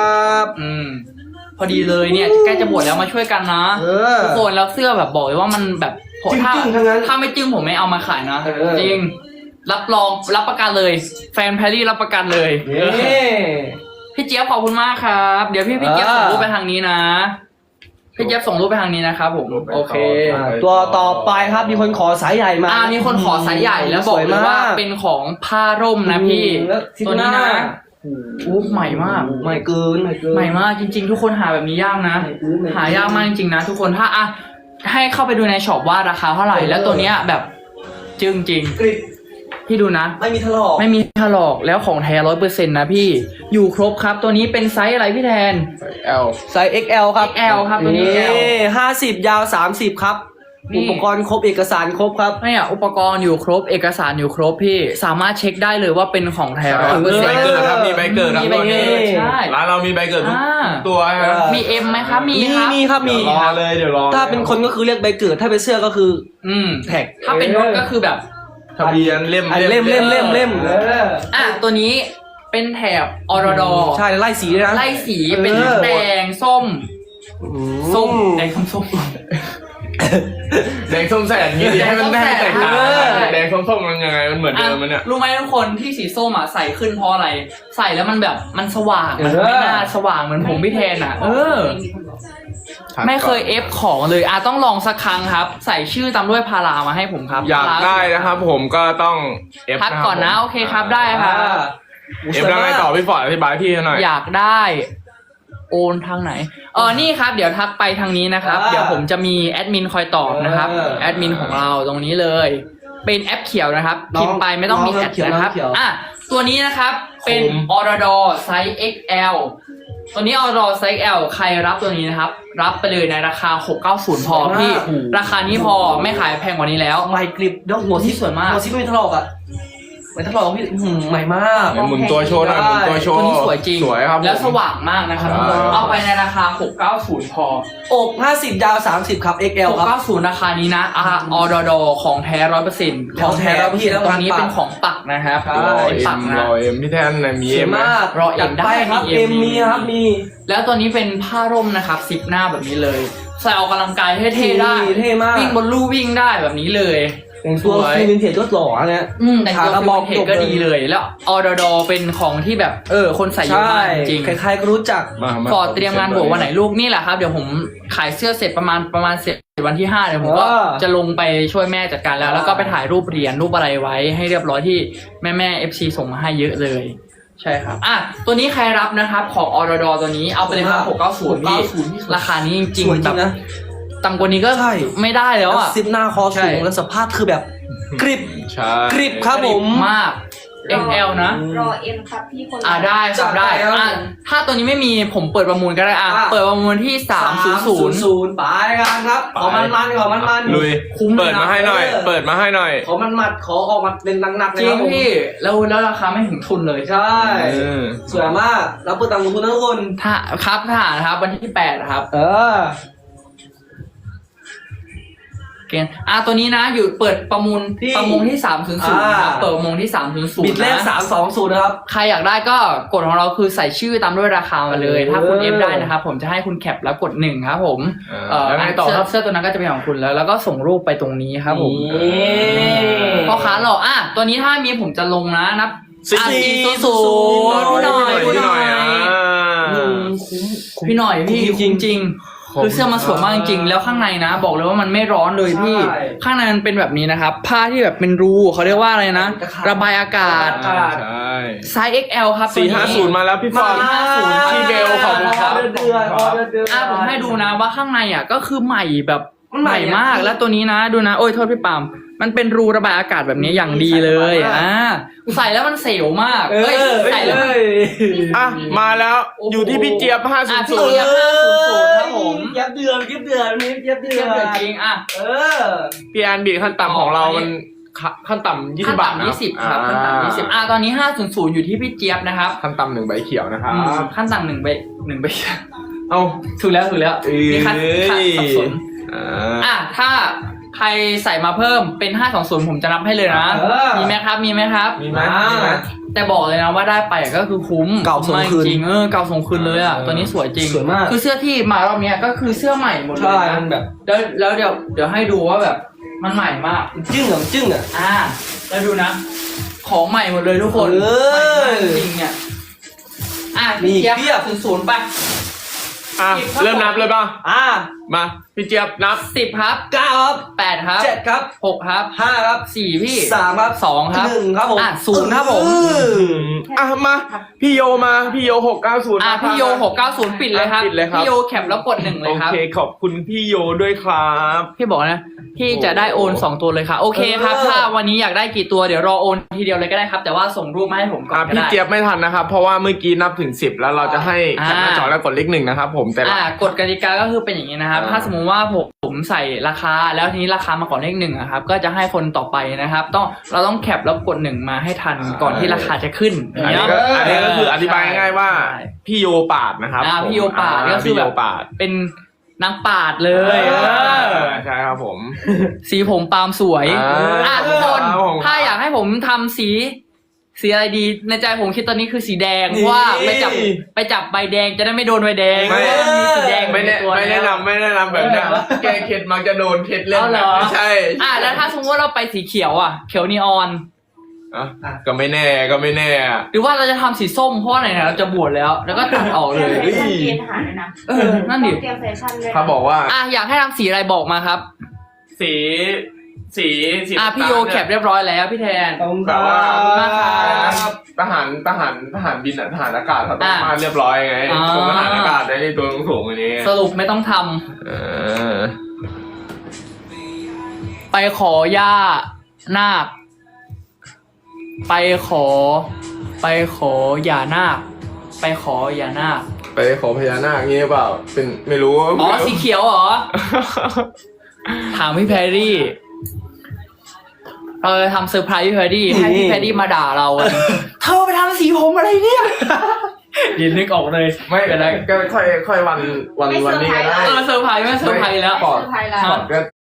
[SPEAKER 1] อืมพอดีเลยเนี่ยใกล้จะบวชแล้วมาช่วยกันนะ
[SPEAKER 2] เออ
[SPEAKER 1] ทุกคนแล้วเสื้อแบบบอกเลยว่ามันแบบผม
[SPEAKER 2] จริงๆ
[SPEAKER 1] ถ้า
[SPEAKER 2] ทั้งนั้น
[SPEAKER 1] ถ้าไม่จึ้งผมไม่เอามาขายนะ
[SPEAKER 2] เออ
[SPEAKER 1] จริงรับรองรับประกันเลย แฟนแพรรี่รับประกันเลย
[SPEAKER 2] นี่
[SPEAKER 1] พี่เจี๊ยบขอบคุณมากครับ เดี๋ยวพี่พี่เจี๊ยบ
[SPEAKER 2] อ่า
[SPEAKER 1] ส่งรูปไปทางนี้นะ พี่เจี๊ยบส่งรูปไปทางนี้นะครับผมโอเค
[SPEAKER 2] อ่าตัวต่อไปครับมีคนขอสายใหญ่มา
[SPEAKER 1] อ่ามีคนขอสายใหญ่แล้วบอกเลยว่าเป็นของผ้าร่มนะพี่
[SPEAKER 2] แล้วทิศ
[SPEAKER 1] ตัว
[SPEAKER 2] ห
[SPEAKER 1] นี้
[SPEAKER 2] น้า
[SPEAKER 1] นะอู้ใหม่มาก
[SPEAKER 2] ใหม่เกินใหม่เกิน
[SPEAKER 1] ใหม่มากจริง ๆ ทุกคนหาแบบนี้ยากนะ
[SPEAKER 2] ใหม่เกินใหม่เกิน
[SPEAKER 1] หายากมากจริงๆนะทุกคนถ้าอ่ะให้เข้าไปดูในช็อปว่าราคาเท่าไหร่
[SPEAKER 2] เออ
[SPEAKER 1] แล้วตัวเนี้ยแบบจึงจริง
[SPEAKER 2] กริบ
[SPEAKER 1] พี่ดูนะ
[SPEAKER 2] ไม่มีถลอก
[SPEAKER 1] ไม่มีถลอกแล้วของแท้ร้อยเปอร์เซ็นต์นะพี่อยู่ครบครับตัวนี้เป็นไซส์อะไรพี่แทน
[SPEAKER 4] แอล
[SPEAKER 2] ไซส์ เอ็กซ์ แอล ครับ
[SPEAKER 1] เอ็กซ์ แอล ครับตัวนี้ L
[SPEAKER 2] ห้าสิบยาวสามสิบครับ
[SPEAKER 1] นี่
[SPEAKER 2] อุปกรณ์ครบเอกสารครบครับ
[SPEAKER 1] เนี่ยอุปกรณ์อยู่ครบเอกสารอยู่ครบพี่สามารถเช็คได้เลยว่าเป็นของแท้ร้อยเปอร์
[SPEAKER 4] มี
[SPEAKER 1] เซ็
[SPEAKER 4] ใบ
[SPEAKER 1] นต์
[SPEAKER 4] เกิดครับมีใบเกิดครับ
[SPEAKER 1] มีใบเกิดใช่
[SPEAKER 4] ร้านเรามีใบเกิดทุก
[SPEAKER 1] อ่า
[SPEAKER 4] ตัวครับ
[SPEAKER 1] มีเอ็มไหมครับมี
[SPEAKER 2] มี
[SPEAKER 1] ครับ
[SPEAKER 2] มีครับมี
[SPEAKER 4] เดี๋ยวรอเลยเดี๋ยวรอ
[SPEAKER 2] ถ้าเป็นคนก็คือเรียกใบเกิด ถ้าเป็นเสื้อก็คือ
[SPEAKER 1] อืม
[SPEAKER 2] แท็ก
[SPEAKER 1] ถ้าเป็นรถก็คือแบบ
[SPEAKER 4] ทะเบียนเล่ม
[SPEAKER 2] อันเล่มเล่มเล่มเล่ม
[SPEAKER 1] อ่ะตัวนี้เป็นแถบออรดอ
[SPEAKER 2] ใช่ไล่สีด้วยนะ
[SPEAKER 1] ไล่สีเป็น
[SPEAKER 2] เออ
[SPEAKER 1] แดงส้ม
[SPEAKER 2] อื
[SPEAKER 1] ส้มแดงส้มส้ม
[SPEAKER 4] แดงส้มแสดอย่างนี้ดิให้มันได้แตกต่าง
[SPEAKER 1] เออ
[SPEAKER 4] แดงส้มๆมันยังไงมันเหมือน
[SPEAKER 1] อ่ะ
[SPEAKER 4] เดิมมันเนี่ย
[SPEAKER 1] รู้ไหมทุกคนที่สีส้มอ่ะใส่ขึ้นเพราะอะไร ใส่แล้วมันแบบมันสว่างมันไม่น่าสว่างเหมือนผมพี่แทนอ่ะ เออ ไม่เคยเอฟของเลยอ่ะต้องลองสักครั้งครับ ใส่ชื่อตามด้วยพารามาให้ผมครับ
[SPEAKER 4] อยาก
[SPEAKER 1] พารา
[SPEAKER 4] ได้นะครับ ผมก็ต้องเอฟ
[SPEAKER 1] ทักก่อนนะโอเคครับได้ครับ
[SPEAKER 4] เอฟแล้วไงต่อพี่ฟอร์ดอธิบายพี่หน่อย
[SPEAKER 1] อยากได้โอนทางไหนเออนี่ครับ เดี๋ยวทักไปทางนี้นะครับ
[SPEAKER 2] อ่า
[SPEAKER 1] เดี๋ยวผมจะมีแอดมินคอยตอบนะครับ
[SPEAKER 2] เออ
[SPEAKER 1] แอดมินของเราตรงนี้เลย เป็นแอปเขียวนะครับ
[SPEAKER 2] น้อง
[SPEAKER 1] พิมพ์ไปไม่ต้องมี
[SPEAKER 2] น้อง
[SPEAKER 1] แอด
[SPEAKER 2] เขียว
[SPEAKER 1] นะครับ
[SPEAKER 2] น้องเขียว
[SPEAKER 1] อ่ะตัวนี้นะครับเป็น
[SPEAKER 4] คุ้ม
[SPEAKER 1] ออร์ดอไซส์ เอ็กซ์ แอล ตัวนี้ออร์ดอไซส์ แอล ใครรับตัวนี้นะครับ รับไปเลยในราคาหกร้อยเก้าสิบพอพี่ราคานี้พอไม่ขายแพงกว่านี้แล้ว
[SPEAKER 2] ไมค์กริปดอกหัวที่
[SPEAKER 1] สวยมาก
[SPEAKER 2] หัวที่ไม่มีถลอกอ่ะไม่ถลอกพี่อื้อหือใหม่มาก
[SPEAKER 4] เดี๋ยวหมุนตัวโชว์หน่อยหมุนตัวโชว์
[SPEAKER 1] ตัวนี้สวยจริง
[SPEAKER 4] สวยครับ
[SPEAKER 1] แล้วสว่างมากนะครับ
[SPEAKER 4] ใช่
[SPEAKER 1] เอาไปในราคาหกร้อยเก้าสิบพอ
[SPEAKER 2] อกห้าสิบยาวสามสิบครับ เอ็กซ์ แอล
[SPEAKER 1] หก
[SPEAKER 2] ครับ
[SPEAKER 1] เก้าสิบราคานี้นะอาออดอดอของแท้ร้อยเปอร์เซ็นต์
[SPEAKER 2] ของแท้แล้วพี่แล้ว
[SPEAKER 1] ตรงนี้
[SPEAKER 2] ปัก
[SPEAKER 1] เป็นของปักนะครับ
[SPEAKER 2] ใช่
[SPEAKER 4] รอ
[SPEAKER 1] เป็น
[SPEAKER 4] เอ็
[SPEAKER 1] ปัก
[SPEAKER 4] ม
[SPEAKER 1] นะ
[SPEAKER 4] รอเอ็มพี่แทนนะมี
[SPEAKER 2] ส
[SPEAKER 4] เอ็
[SPEAKER 2] วย
[SPEAKER 4] มไหม
[SPEAKER 2] มาก
[SPEAKER 1] รอเอ็ม
[SPEAKER 2] จั
[SPEAKER 1] ได้
[SPEAKER 2] ครับ
[SPEAKER 1] มี
[SPEAKER 2] เอ็ม
[SPEAKER 1] มี
[SPEAKER 2] มีครับมี
[SPEAKER 1] แล้วตัวนี้เป็นผ้าร่มนะครับซิปหน้าแบบนี้เลย ใส่ออกกำลังกายเท่ๆได้
[SPEAKER 2] เท่มาก
[SPEAKER 1] วิ่งบนลู่วิ่งได้แบบนี้เลย
[SPEAKER 2] แต่งตัว
[SPEAKER 1] สวย
[SPEAKER 2] ฟิลินเทียก็หล่อเนี่ย
[SPEAKER 1] อืมแต่งตัว
[SPEAKER 2] ขากระบอก
[SPEAKER 1] เทคก็ดีเลย แล้วออดอดอเป็นของที่แบบเออคนใส่เยอะ
[SPEAKER 2] ใช่
[SPEAKER 1] มากจริง
[SPEAKER 2] ใครๆก็รู้จัก
[SPEAKER 4] มามา
[SPEAKER 1] ฟอร์ดเตรียมงานบวชวันไหนลูกนี่แหละครับเดี๋ยวผมขายเสื้อเสร็จประมาณประมาณเสร็จวันที่ห้าเดี๋ยวผมก็
[SPEAKER 2] เออ
[SPEAKER 1] จะลงไปช่วยแม่จัดการแล้ว แล้วก็ไปถ่ายรูปเหรียญรูปอะไรไว้ให้เรียบร้อยที่แม่แม่เอฟซีส่งมาให้เยอะเลย ใช่ครับอ่ะตัวนี้ใครรับนะครับของออร์ดอตัวนี้เอาไปเลยครับหกเก้าศูนย์พี่ราคานี้จริง
[SPEAKER 2] สวย
[SPEAKER 1] ๆ
[SPEAKER 2] จ
[SPEAKER 1] แบ
[SPEAKER 2] ริ
[SPEAKER 1] บ
[SPEAKER 2] งนะ
[SPEAKER 1] ต่ำกว่านี้ก็
[SPEAKER 2] ใช่
[SPEAKER 1] ไม่ได้แล้วอ่ะ
[SPEAKER 2] ซิปหน้าคอ
[SPEAKER 1] ใช่
[SPEAKER 2] สูงแล้วสภาพคือแบบกริบ
[SPEAKER 4] ใช่
[SPEAKER 2] กริบครับผม
[SPEAKER 1] มาก เอ็กซ์ แอล นะ
[SPEAKER 3] รอเอ็มครับพี่คน
[SPEAKER 1] อ่าได้ค
[SPEAKER 2] จั
[SPEAKER 1] รับ
[SPEAKER 2] ด
[SPEAKER 1] ได้
[SPEAKER 2] ไปครับ
[SPEAKER 1] อ่ะถ้าตัวนี้ไม่มีผมเปิดประมูลก็ได้อ่ะ
[SPEAKER 2] อ่ะ
[SPEAKER 1] เปิดประมูลที่สามศูนย์ศูนย์
[SPEAKER 2] ศูนย์ไปกันครับขอมันมันๆขอมันมันๆ
[SPEAKER 4] ลุย
[SPEAKER 1] คุ้มเลยนะ
[SPEAKER 4] เปิดมาให้หน่อย
[SPEAKER 2] เออ
[SPEAKER 4] เปิดมาให้หน่อย
[SPEAKER 2] ขอมันมัดขอออกมาเป็นหนักๆเล
[SPEAKER 1] จ
[SPEAKER 2] ย
[SPEAKER 1] ริ
[SPEAKER 2] ครั
[SPEAKER 1] ง
[SPEAKER 2] บผม
[SPEAKER 1] พี่แล้วแล้วราคาไม่ถึงทุนเลย
[SPEAKER 2] ใช่
[SPEAKER 4] เออ
[SPEAKER 2] สวยมากแล้วเปิดตังค์ลงทุนนะทุกคน
[SPEAKER 1] ถ้าครับทหารครับวันที่แปดครับ
[SPEAKER 2] เออ
[SPEAKER 1] เกณฑ์อ่ะตัวนี้นะอยู่เปิดประมูล
[SPEAKER 2] ที่
[SPEAKER 1] ประมูลที่สามศูนย์ศูนย์ครับเปิดประมูลที่สามศูนย์ศูน
[SPEAKER 2] บิด
[SPEAKER 1] ย์
[SPEAKER 2] แรก
[SPEAKER 1] นะ
[SPEAKER 2] สามสองศูนย์นะครับ
[SPEAKER 1] ใครอยากได้ก็กดของเราคือใส่ชื่อตามด้วยราคามาเลย
[SPEAKER 2] เออ
[SPEAKER 1] ถ้าคุณเอฟได้นะครับผมจะให้คุณแคปแล้วกดหนึ่งครับผม
[SPEAKER 4] เออ
[SPEAKER 1] เอ่อ
[SPEAKER 4] แล้วไงต่อ
[SPEAKER 1] เสื้
[SPEAKER 4] ครับ
[SPEAKER 1] เสื้อตัวนั้นก็จะเป็นของคุณแล้ว แล้วก็ส่งรูปไปตรงนี้ครับผม
[SPEAKER 2] นี่
[SPEAKER 1] พ่อค้าหล่ออ่ะตัวนี้ถ้ามีผมจะลงนะนับ
[SPEAKER 4] สี่
[SPEAKER 1] อ่ะ
[SPEAKER 2] สี่
[SPEAKER 1] สี่ศูนย์ศูนย์พี่หน่อย
[SPEAKER 4] พี่
[SPEAKER 1] พี่
[SPEAKER 4] ห
[SPEAKER 1] ห
[SPEAKER 4] น่
[SPEAKER 1] น่
[SPEAKER 4] อ
[SPEAKER 1] อย ย
[SPEAKER 4] อ่า
[SPEAKER 2] อืมคุ้ม
[SPEAKER 1] พี่หน่อยพี่
[SPEAKER 2] จริงๆ
[SPEAKER 1] จริงๆคือเสื้อมันสวยมากจริงๆแล้วข้างในนะ บอกเลยว่ามันไม่ร้อนเลยพี่
[SPEAKER 2] ใช่
[SPEAKER 1] ข้างในมันเป็นแบบนี้นะครับ ผ้าที่แบบเป็นรูเขาเรียกว่าอะไรนะ
[SPEAKER 2] ตะข่าย
[SPEAKER 1] ระบายอากาศ
[SPEAKER 2] ระบายอากาศ
[SPEAKER 4] ใช่
[SPEAKER 1] ไซส์ เอ็กซ์ แอล ครับ
[SPEAKER 4] สี่
[SPEAKER 1] ตัว
[SPEAKER 4] ห้า
[SPEAKER 1] นี้
[SPEAKER 4] ศูนย์มาแล้วพี่ฟอร์ด
[SPEAKER 1] สี่ห้าศูนย์
[SPEAKER 4] พี่เบลขอบคุณครับ
[SPEAKER 2] เดือนเดือนออเดือนเดือน
[SPEAKER 1] อ่ะผมให้ดูนะว่าข้างในอ่ะก็คือใหม่แบบ
[SPEAKER 2] มันใหม่
[SPEAKER 1] มาก
[SPEAKER 2] อ่ะ
[SPEAKER 1] แล้วตัวนี้นะดูนะโอ้ยโทษพี่ปามมันเป็นรูระบายอากาศแบบนี้อย่างดีเลย
[SPEAKER 2] ใส่สบายมาก
[SPEAKER 1] อ่าใส่แล้วมันเสียวมาก
[SPEAKER 2] เอ
[SPEAKER 1] เอ้ย
[SPEAKER 2] อ
[SPEAKER 1] ใส่แล้วมัน
[SPEAKER 2] เอ้ย
[SPEAKER 4] อ่ะมาแล้ว
[SPEAKER 1] โอ้โห
[SPEAKER 4] อยู่ที่พี่เจี๊ยบห้าศู
[SPEAKER 1] อ่ะ
[SPEAKER 4] นย์
[SPEAKER 1] พี่
[SPEAKER 4] ศูน
[SPEAKER 1] เจี๊
[SPEAKER 4] ย์
[SPEAKER 1] ยบ ห้าศูนย์ศูนย์ครับผม
[SPEAKER 2] เย็บเดือนเย็บเดือนนี่เย็บเดื
[SPEAKER 1] เทียบ
[SPEAKER 2] อ
[SPEAKER 1] เดื
[SPEAKER 2] น
[SPEAKER 1] อจริงอ่ะ
[SPEAKER 2] เออ
[SPEAKER 4] พี่แอนบีขั้นต่ำของเรามันขั้นต่ำยี่สิ
[SPEAKER 1] ขั้น
[SPEAKER 4] บบาท
[SPEAKER 1] ต่ำ
[SPEAKER 4] นะ
[SPEAKER 1] ยี่สิบครับขั้นต่ำยี่สิบอ่ะตอนนี้ห้าศูนย์ศูนย์อยู่ที่พี่เจี๊ยบนะครับ
[SPEAKER 4] ขั้นต่ำหนึ่งใบเขียวนะครับ
[SPEAKER 1] อืมขั้นต่ำหนึ่งใบหนึ่งใบ
[SPEAKER 4] เอา
[SPEAKER 1] ถูกแล้วถูกแล้ว
[SPEAKER 4] เอ้ย
[SPEAKER 1] มีขั้นขั้นสับสน
[SPEAKER 4] อ่า
[SPEAKER 1] อ่ะถ้าใครใส่มาเพิ่มเป็นห้าสองศูนย์ผมจะนับให้เลยนะ
[SPEAKER 2] เออ
[SPEAKER 1] มีไหมครับมีไหมครับ
[SPEAKER 4] มีไหม
[SPEAKER 2] อ่า
[SPEAKER 4] มีไหม
[SPEAKER 1] แต่บอกเลยนะว่าได้ไปก็คือคุ้ม
[SPEAKER 2] เก่าส่งคืน
[SPEAKER 1] มจริงๆเออเก่าส่งคืนเลยอ่ะ
[SPEAKER 4] เออ
[SPEAKER 1] ตัวนี้สวยจริง
[SPEAKER 2] สวยมาก
[SPEAKER 1] คือเสื้อที่มารอบเนี้ยก็คือเสื้อใหม่หมดเล
[SPEAKER 2] ใช่
[SPEAKER 1] ยนะ
[SPEAKER 2] มันแบบ
[SPEAKER 1] แล้วแล้วเดี๋ยวเดี๋ยวให้ดูว่าแบบมันใหม่มาก
[SPEAKER 2] จึ้งเหรอจึ้งอ่ะ
[SPEAKER 1] อ่าแล้วดูนะ ของใหม่หมดเลยทุกคน
[SPEAKER 2] เออ
[SPEAKER 1] ใหม่มากจริงๆเนี่ยอ่ะ
[SPEAKER 2] มี
[SPEAKER 1] พี่
[SPEAKER 2] อีก
[SPEAKER 1] เจี๊ยบ
[SPEAKER 2] เพียบ
[SPEAKER 1] ศูนย์ศูนย์ไป
[SPEAKER 4] อ่ะเริ่มนับเลยป่ะ
[SPEAKER 2] อ่า
[SPEAKER 4] มาพี่เจี๊ยบนับ
[SPEAKER 1] สิบครับ
[SPEAKER 2] เก้าครับ
[SPEAKER 1] แปดครับ
[SPEAKER 2] เจ็ดครับ
[SPEAKER 1] หกครับ
[SPEAKER 2] ห้าครับ
[SPEAKER 1] สี่พี่
[SPEAKER 2] สามครับ
[SPEAKER 1] สองครับ
[SPEAKER 2] หนึ่งครับผม
[SPEAKER 1] อ่ะศูนย์ครับผม
[SPEAKER 2] เออ
[SPEAKER 4] อ่ะมาพี่โยมาพี่โยหกเก้าศูนย์
[SPEAKER 1] อ่ะพี่โยหกเก้าศูนย์ปิดเลยครับ
[SPEAKER 4] ปิดเลยครับ
[SPEAKER 1] พี่โยแคปแล้วกดหนึ่งเล
[SPEAKER 4] โอย
[SPEAKER 1] ครับ
[SPEAKER 4] เคขอบคุณพี่โยด้วยครับ
[SPEAKER 1] พี่บอกนะพี่จะได้โอนสองตัวเลยค่ะโอเคครับ ถ้าวันนี้อยากได้กี่ตัวเดี๋ยวรอโอนทีเดียวเลยก็ได้ครับ แต่ว่าส่งรูปมาให้ผมก่อ
[SPEAKER 4] อ่ะ
[SPEAKER 1] นก็
[SPEAKER 4] พี่
[SPEAKER 1] ได้
[SPEAKER 4] เจี๊ยบไม่ทันนะครับ เพราะว่าเมื่อกี้นับถึงสิบแล้วเราจะให้แคปหน้าจอแล้วกดเลขหนึ่งนะครับผมแต่ละ
[SPEAKER 1] อ่ากฎกติกาก็คือเป็นอย่างนี้นะครับ
[SPEAKER 4] อ่า
[SPEAKER 1] ถ้าสมมุติว่าผมผมใส่ราคาแล้วทีนี้ราคามาก่อนเลขหนึ่งอะครับก็จะให้คนต่อไปนะครับ ต้องเราต้องแคปแล้วกดหนึ่งมาให้ทันก่อนที่ราคาจะขึ้น
[SPEAKER 4] อันนี้ก็อันนี้ก็คืออธิบายง่ายๆว่า
[SPEAKER 1] ใช่
[SPEAKER 4] พี่โยปาดนะครับ
[SPEAKER 1] อ่าพี่โยปาด
[SPEAKER 4] อ่
[SPEAKER 1] ก็คือ
[SPEAKER 4] พี่
[SPEAKER 1] แบ
[SPEAKER 4] โย
[SPEAKER 1] บ
[SPEAKER 4] ปาด
[SPEAKER 1] เป็นนางปาดเลย
[SPEAKER 4] เอ
[SPEAKER 1] เอ
[SPEAKER 4] อ
[SPEAKER 1] อ
[SPEAKER 4] ใช่ครับผม
[SPEAKER 1] สีผมปาล์มสวย
[SPEAKER 4] อ่า
[SPEAKER 1] อ่ะทุกคน
[SPEAKER 4] ครับผม
[SPEAKER 1] ถ้าอยากให้ผมทำสี สีอะไรดีในใจผมคิดตอนนี้คือสีแดง
[SPEAKER 2] นี่
[SPEAKER 1] เพราะว่าไปจับไปจับใบแดงจะได้ไม่โดนใบแดง
[SPEAKER 4] ไม่
[SPEAKER 1] เพราะว่ามีสีแดง
[SPEAKER 4] ไม่แนะ
[SPEAKER 1] ในตัว
[SPEAKER 4] ไม่แนะ
[SPEAKER 1] แล้ว
[SPEAKER 4] นำไม่แนะนำแบบนั้นแก้เคล็ดมักจะโดนเคล็ดเล่น
[SPEAKER 1] เอาเหรอ
[SPEAKER 4] ไม่ใช่
[SPEAKER 1] อ่ะแล้วถ้าสมมติว่าเราไปสีเขียวอ่ะเขียวนีออน
[SPEAKER 4] อ่ะก็ไม่แน่ก็ไม่แน่อ่ะ
[SPEAKER 1] หรือว่าเราจะทำสีส้มเพราะว่าไหนๆเราจะบวชแล้ว แล้วก็ตัดออกเลย
[SPEAKER 3] แฟชั่นเกณฑ์ทหารด้วยนะ
[SPEAKER 1] เออนั่นดิ
[SPEAKER 3] ต้องเตรียมแฟชั่นด้วยนะ
[SPEAKER 4] เขาบอกว่า
[SPEAKER 1] อ่ะอยากให้ทำสีอะไรบอกมาครับ
[SPEAKER 4] สีสีสี
[SPEAKER 1] อ่ะพี่โยแคปเรียบร้อยแล้วพี่แทน
[SPEAKER 2] ขอบคุณ
[SPEAKER 4] แต่ว่า
[SPEAKER 2] ครับ
[SPEAKER 4] ทหารทหารทหารบินอ่ะทหารอากาศเขาต้อง
[SPEAKER 1] อ่ะ
[SPEAKER 4] มาเรียบร้อยไง
[SPEAKER 1] อ่า
[SPEAKER 4] ผมทหารอากาศได้ในตัวสูงๆอันนี้
[SPEAKER 1] สรุปไม่ต้องทำ
[SPEAKER 4] เออ
[SPEAKER 1] ไปขอย่านาค ไปขอ ไปขออย่านาค ไปขออย่านาค
[SPEAKER 4] ไปขอพญานาคงี้หรือเปล่า เป็นไม่รู้
[SPEAKER 1] อ๋อสีเขียวเหรอ ถามพี่แพรรี่ เราจะทำเซอร์ไพรส์พี่แพรรี่ให้พี่แพรรี่มาด่าเราอะเธอไปทำสีผมอะไรเนี่ยดินนึกออกเลย
[SPEAKER 4] ไม่เป็นไรก็ค่อยค่อยวันวันวันนี้ก็ได้
[SPEAKER 1] เออเซอร์ไพรส์ไม่เซอร์ไพรส์แล้ว
[SPEAKER 3] เซอร์ไพรส์แล้ว
[SPEAKER 4] ก่อนก็